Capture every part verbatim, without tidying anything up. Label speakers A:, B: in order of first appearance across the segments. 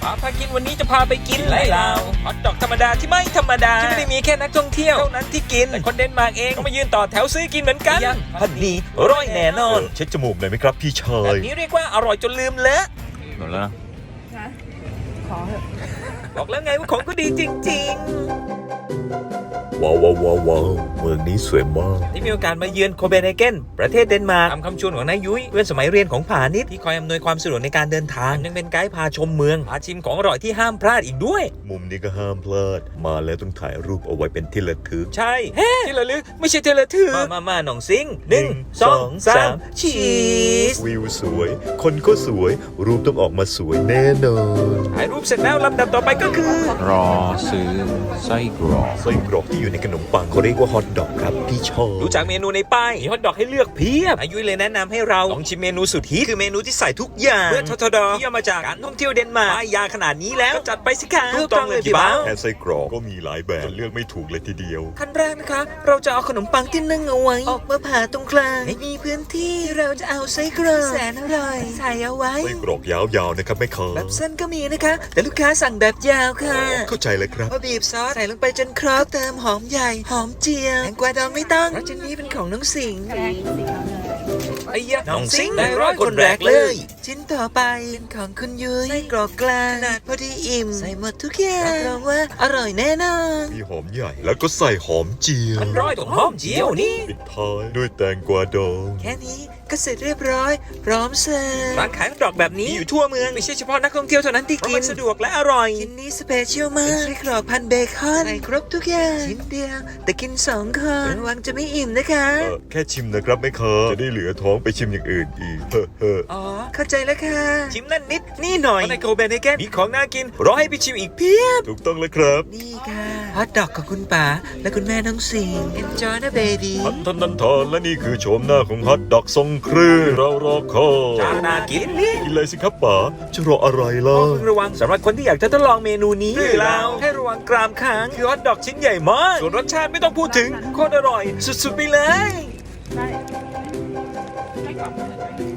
A: ป๋าพากินวันนี้จะพาไปกินไรลาวฮอทดอกธรรมดาที่ไม่ธรรมดาที่ไม่ได้มีแค่นักท่องเที่ยวเท่านั้นที่กินแต่คนเดนมาร์กเองก็มายืนต่อแถวซื้อกินเหมือนกันพันนี้ร้อยแน่นอน
B: เช็ดจมูกหน่อยไหมครับพี่ชา
A: แบบ
B: ย
A: นี้เรียกว่าอร่อยจนลืมเลอะ
B: หมดแล้ว
C: นะขอเถอะ
A: บอกแล้วไงว่าของก็ดีจริง
B: ว้าวว้าวว้าวว้าวเมืองนี้สวยมาก
A: ๆที่มีโอกาสมาเยือนโคเปนเฮเกนประเทศเดนมาร์กตามคำชวนของนายยุ้ยเพื่อนสมัยเรียนของผานิชที่คอยอำนวยความสะดวกในการเดินทางยังเป็นไกด์พาชมเมืองพาชิมของอร่อยที่ห้ามพลาดอีกด้วย
B: มุมนี้ก็ห้ามพลาดมาแล้วต้องถ่ายรูปเอาไว้เป็นที่ระลึก
A: ใช่เฮ้ที่ระลึกไม่ใช่ที่ระทึกมามามาหน่องซิงหนึ่งสองสามชีส
B: วิวสวย คนก็สวย รูปต้องออกมาสวยแน่นอน
A: ถ่ายรูปเสร็จแล้วลำดับต่อไปก็คือ
D: รอซื้อไส้กรอก
B: ไส้กรอกที่อยู่ในขนมปังเขาเรียกว่าฮอทดอกครับพี่ชอบ
A: ดูจากเมนูในป้ายมีฮอทดอกให้เลือกเพียบอายุเลยแนะนำให้เราลองชิมเมนูสุดฮิตคือเมนูที่ใส่ทุกอย่างเมื่อททดที่ย่อมาจากการท่องเที่ยวเดนมาร์กป้ายยาขนาดนี้แล้วก็จัดไปสิคะถูกต้องเลยพี่บ้าว
B: แค่ไส้กรอกก็มีหลายแบบจนเลือกไม่ถูกเลยทีเดียว
A: ขั้นแรกนะคะ เราจะเอาขนมปังที่นึ่งเอาไว้ออกมาผ่าตรงกลางให้มีพื้นที่เราจะเอาไส้กรอกแสนอร่อยใส่เอาไว้
B: ไส้กรอกยาวๆนะครับแม่ค้า
A: แบบสั้นก็มีนะคะ แต่ลูกค้าสั่งแบบยาวค่ะ
B: เข้าใจเลยครับ
A: พอบีบซอสใส่ลงไปจนครบเติมหอมใหญ่ หอมเจียวแตงกวาดองไม่ต้องเพราะชิ้นนี้เป็นของน้องสิงห์
C: แกงสีขาวเหลือง
A: ไอ้ยะน้องสิงห์ได้ร้อยคนแรกเลยชิ้นต่อไปเป็นของคุณยุ้ยไส้กรอกกลางขนาดพอดีอิ่มใส่หมดทุกอย่างรับรองว่าอร่อยแน่นอน
B: มีหอมใหญ่แล้วก็ใส่หอมเจียว
A: มันร้อยตรงหอมเจียวนี่
B: ปิดท้ายด้วยแตงกวาดอง
A: แค่นี้ก็เสร็จเรียบร้อย พร้อมเสิร์ฟร้านขายฮอทดอกแบบนี้อยู่ทั่วเมืองไม่ใช่เฉพาะนักท่องเที่ยวเท่านั้นที่กินสะดวกและอร่อยชิ้นนี้สเปเชียลมากไส้กรอกพันเบคอนใส่ครบทุกอย่างชิ้นเดียวแต่กินสองคนระวังจะไม่อิ่มนะคะ
B: เออแค่ชิมนะครับแม่ค้าจะได้เหลือท้องไปชิมอย่างอื่นอีกเฮ้อเฮ้อ
A: อ๋อเข้าใจแล้วค่ะชิมนั่นนิดนี่หน่อยในโคเปนเฮเกนมีของน่ากินรอให้ไปชิมอีกเพียบ
B: ถูกต้องแล้วครับ
A: นี่ค่ะฮอทดอกของคุณป๋าและคุณแม่น้องสิงห์ enjoy นะเบบี
B: ทันทันทันทันและนี่คือโฉมหน้าของฮอทดอกทรงเครื่องเรารอคอย
A: จานน่ากินนี่
B: กินเลยสิครับป๋าจะรออะไรล่ะ
A: ต้องระวังสำหรับคนที่อยากจะทดลองเมนูนี้หรือเราให้ระวังกรามค้างคือฮอทดอกชิ้นใหญ่มากส่วนรสชาติไม่ต้องพูดถึงโคตรอร่อย สุดๆไปเลย
C: ได้ไม่กรอบเลย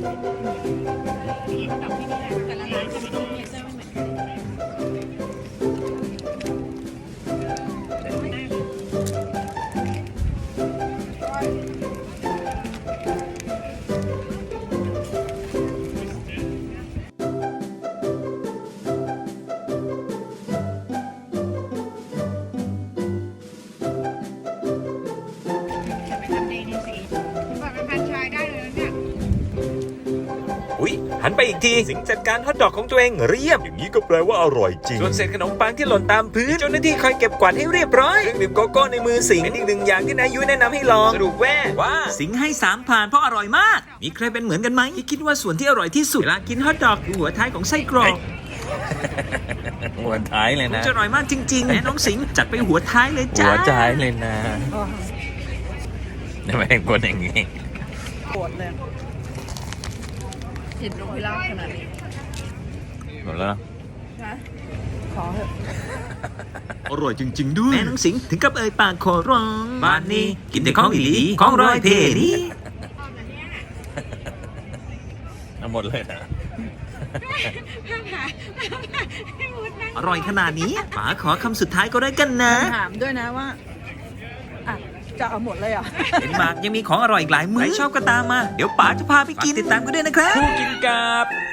C: มีดอกที่นี่แหละแต่ละร้านจะมีเมเจอร์ไม่เหมือนกัน จะไปทำเดนิสีแบบเป็นพันชายได้เลยนะเนี่ย
A: อุ๊ยหันไปอีกทีสิงห์จัดการฮอทดอกของตัวเองเรียบ
B: อย่างนี้ก็แปลว่าอร่อยจริง
A: ส่วนเศษขนมปังที่หล่นตามพื้นเจ้าหน้าที่คอยเก็บกวาดให้เรียบร้อยเครื่องดื่มโกโก้ในมือสิงห์เป็นอีกหนึ่งอย่างที่นายยุ้ยแนะนำให้ลองสรุปแว่ว่าสิงห์ให้สามผ่านเพราะอร่อยมาก มีใครเป็นเหมือนกันไหมที่คิดว่าส่วนที่อร่อยที่สุดเวลากินฮอทดอกคือหัวท้ายของไส้กรอก
D: หัวท้ายเลยนะ
A: จะอร่อยมากจริงๆแม่น้องสิงห์จัดไปหัวท้ายเลยจ้า
D: หัวท้ายเลยนะทำไมคนอย่างนี้
C: ปวดเลยเห็นนกพิราบขนาดนี้
D: หมดแล้ว
C: นะขอเถอะ
B: อร่อยจริง ๆ ด้วย
A: แม่น้องสิงห์ถึงกับเอ่ยปากขอร้องบ้านนี้กินแต่ของอีหลีของร้อยเพนี่
D: หมดเลยนะ
A: อร่อยขนาดนี้ป๋าขอคำสุดท้ายก็ได้กันนะ
C: ถามด้วยนะว่าอ่ะจะเอาหมดเลยเหรอ
A: เดนมาร์กยังมีของอร่อยอีกหลายมื้อใครชอบก็ตามมา เดี๋ยวป๋าจะพาไปกินติดตามกันด้วยนะครับคู่กินกับ